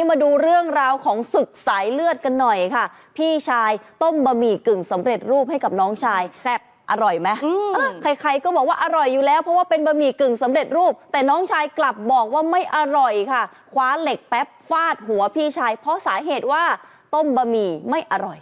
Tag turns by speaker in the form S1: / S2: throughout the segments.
S1: มาดูเรื่องราวของศึกสายเลือดกันหน่อยค่ะพี่ชายต้มบะหมี่กึ่งสำเร็จรูปให้กับน้องชายแซ่บอร่อยไหมใครๆก็บอกว่าอร่อยอยู่แล้วเพราะว่าเป็นบะหมี่กึ่งสำเร็จรูปแต่น้องชายกลับบอกว่าไม่อร่อยค่ะคว้าเหล็กแป๊บฟาดหัวพี่ชายเพราะสาเหตุว่าต้มบะหมี่ไม่อร่อย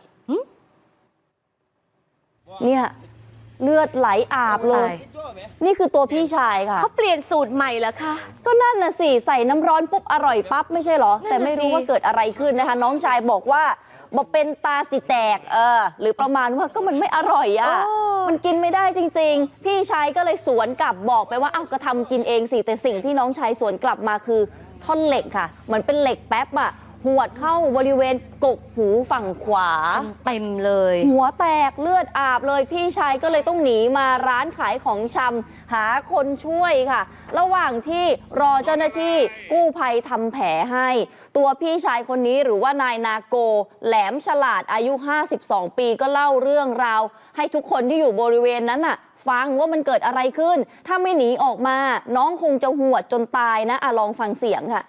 S1: เนี่ยเลือดไหลอาบเลยนี่คือตัวพี่ชายค่ะ
S2: เขาเปลี่ยนสูตรใหม่แล้วค่ะ
S1: ก็นั่นน่ะสิใส่น้ำร้อนปุ๊บอร่อยปั๊บไม่ใช่หรอแต่ไม่รู้ว่าเกิดอะไรขึ้นนะคะน้องชายบอกว่าบอกเป็นตาสิแตกหรือประมาณว่าก็มันไม่อร่อยมันกินไม่ได้จริงๆพี่ชายก็เลยสวนกลับบอกไปว่าอ้าวก็ทำกินเองสิแต่สิ่งที่น้องชายสวนกลับมาคือท่อนเหล็กค่ะเหมือนเป็นเหล็กแป๊บหวดเข้าบริเวณกกหูฝั่งขวา
S2: เต็มเลย
S1: หัวแตกเลือดอาบเลยพี่ชายก็เลยต้องหนีมาร้านขายของชำหาคนช่วยค่ะระหว่างที่รอเจ้าหน้าที่กู้ภัยทำแผลให้ตัวพี่ชายคนนี้หรือว่านายนาโกแหลมฉลาดอายุ52ปีก็เล่าเรื่องราวให้ทุกคนที่อยู่บริเวณนั้นฟังว่ามันเกิดอะไรขึ้นถ้าไม่หนีออกมาน้องคงจะหวดจนตายนะลองฟังเสียงค่ะ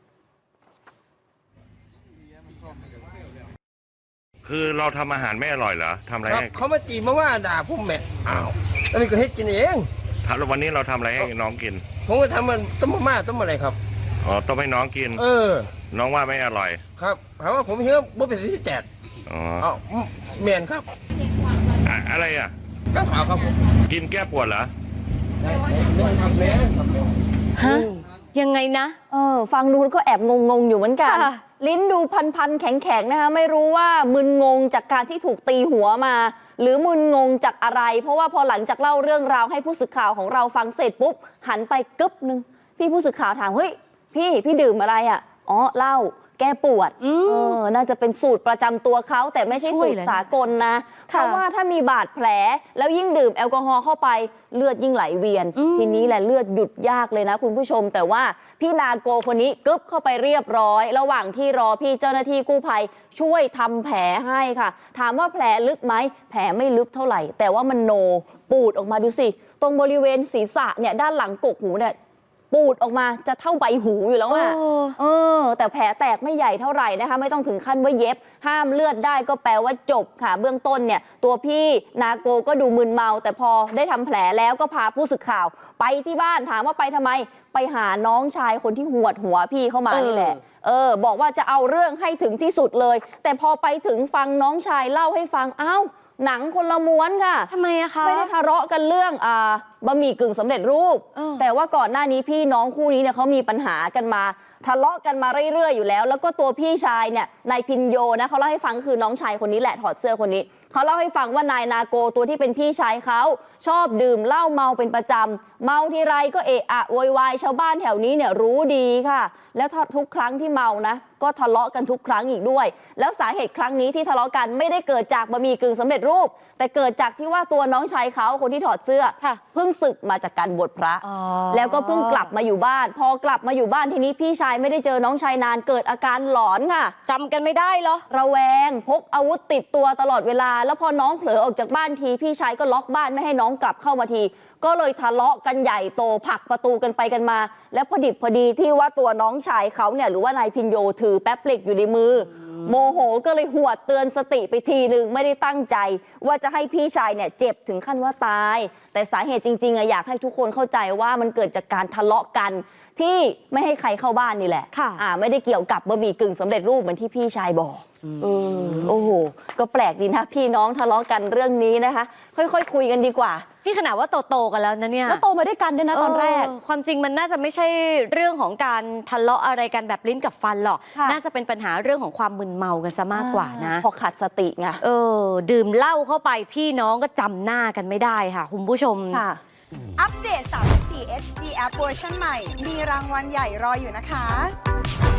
S3: คือเราทำอาหารไม่อร่อยเหรอทำอะไรให้
S4: เขามาจีบมาว่าด่าพุ่มแม่อ้าวอันนี้ก็เฮ็ดกินเอง
S3: วันนี้เราทำอะไรให้น้องกิน
S4: ผมก็ทำมันต้มมาม่าต้มอะไรครับ
S3: อ๋อต้มให้น้องกินน้องว่าไม่อร่อย
S4: ครับถามว่าผมเชื่อว่าเป็นที่แตก
S3: อ๋อ
S4: แมนครับ
S3: อะไร
S4: น้ำขาวครับผม
S3: กินแก้ปวดเหรอ
S2: ฮะยังไงนะ
S1: ฟังดูก็แอบงงอยู่เหมือนกันลิ้นดูพันแข็งๆนะคะไม่รู้ว่ามึนงงจากการที่ถูกตีหัวมาหรือมึนงงจากอะไรเพราะว่าพอหลังจากเล่าเรื่องราวให้ผู้สื่อข่าวของเราฟังเสร็จปุ๊บหันไปกึ๊บนึงพี่ผู้สื่อข่าวถามเฮ้ยพี่ดื่มอะไรเหล้าแก้ปวดน่าจะเป็นสูตรประจำตัวเขาแต่ไม่ใช่สูตรสากลนะเพราะว่าถ้ามีบาดแผลแล้วยิ่งดื่มแอลกอฮอล์เข้าไปเลือดยิ่งไหลเวียนทีนี้แหละเลือดหยุดยากเลยนะคุณผู้ชมแต่ว่าพี่นาโกคนนี้กึ๊บเข้าไปเรียบร้อยระหว่างที่รอพี่เจ้าหน้าที่กู้ภัยช่วยทำแผลให้ค่ะถามว่าแผลลึกไหมแผลไม่ลึกเท่าไหร่แต่ว่ามันโนปูดออกมาดูสิตรงบริเวณศีรษะเนี่ยด้านหลังกกหูเนี่ยปูดออกมาจะเท่าใบหูอยู่แล้วแต่แผลแตกไม่ใหญ่เท่าไหร่นะคะไม่ต้องถึงขั้นว่าเย็บห้ามเลือดได้ก็แปลว่าจบค่ะเบื้องต้นเนี่ยตัวพี่นาโกก็ดูมึนเมาแต่พอได้ทำแผลแล้วก็พาผู้สื่อข่าวไปที่บ้านถามว่าไปทำไมไปหาน้องชายคนที่หวดหัวพี่เข้ามานี่แหละบอกว่าจะเอาเรื่องให้ถึงที่สุดเลยแต่พอไปถึงฟังน้องชายเล่าให้ฟังหนังคนละม้วนค่ะ
S2: ทำไมอะคะ
S1: ไม่ได้ทะเลาะกันเรื่องบะหมี่กึ่งสำเร็จรูปแต่ว่าก่อนหน้านี้พี่น้องคู่นี้เนี่ยเขามีปัญหากันมาทะเลาะกันมาเรื่อยๆอยู่แล้วแล้วก็ตัวพี่ชายเนี่ยนายพินโยนะเขาเล่าให้ฟังคือน้องชายคนนี้แหละถอดเสื้อคนนี้เขาเล่าให้ฟังว่านายนาโกตัวที่เป็นพี่ชายเขาชอบดื่มเหล้าเมาเป็นประจำเมาทีไรก็เอะอะโวยวายชาวบ้านแถวนี้เนี่ยรู้ดีค่ะแล้วทุกครั้งที่เมานะก็ทะเลาะกันทุกครั้งอีกด้วยแล้วสาเหตุครั้งนี้ที่ทะเลาะกันไม่ได้เกิดจากบะหมี่กึ่งสำเร็จรูปแต่เกิดจากที่ว่าตัวน้องชายเขาคนที่ถอดเสื้อเพิ่งศึกมาจากการบวชพระแล้วก็เพิ่งกลับมาอยู่บ้านพอกลับมาอยู่บ้านทีนี้พี่ชายไม่ได้เจอน้องชายนานเกิดอาการหลอนค่ะ
S2: จำกันไม่ได้เหรอ
S1: ระแวงพกอาวุธติดตัวตลอดเวลาแล้วพอน้องเผลอออกจากบ้านทีพี่ชายก็ล็อกบ้านไม่ให้น้องกลับเข้ามาทีก็เลยทะเลาะกันใหญ่โตผลักประตูกันไปกันมาแล้วพอดิบพอดีที่ว่าตัวน้องชายเขาเนี่ยหรือว่านายพินโยถือแป๊บเหล็กอยู่ในมือโมโหก็เลยหวดเตือนสติไปทีนึงไม่ได้ตั้งใจว่าจะให้พี่ชายเนี่ยเจ็บถึงขั้นว่าตายแต่สาเหตุจริงๆอยากให้ทุกคนเข้าใจว่ามันเกิดจากการทะเลาะกันที่ไม่ให้ใครเข้าบ้านนี่แหละไม่ได้เกี่ยวกับบะหมี่กึ่งสำเร็จรูปเหมือนที่พี่ชายบอกโอ้โหก็แปลกดีนะพี่น้องทะเลาะกันเรื่องนี้นะคะค่อยๆคุยกันดีกว่า
S2: พี่ขนาดว่าโตกันแล้วนะเนี่ย
S1: แล้วโตมาด้วยกันด้วยนะตอนแรก
S2: ความจริงมันน่าจะไม่ใช่เรื่องของการทะเลาะอะไรกันแบบลิ้นกับฟันหรอกน่าจะเป็นปัญหาเรื่องของความมึนเมากันซะมากกว่านะ
S1: พอขาดสติไง
S2: ดื่มเหล้าเข้าไปพี่น้องก็จำหน้ากันไม่ได้ค่ะคุณผู้ชม
S5: อัปเดต34 HD App เวอร์ชันใหม่มีรางวัลใหญ่รออยู่นะคะ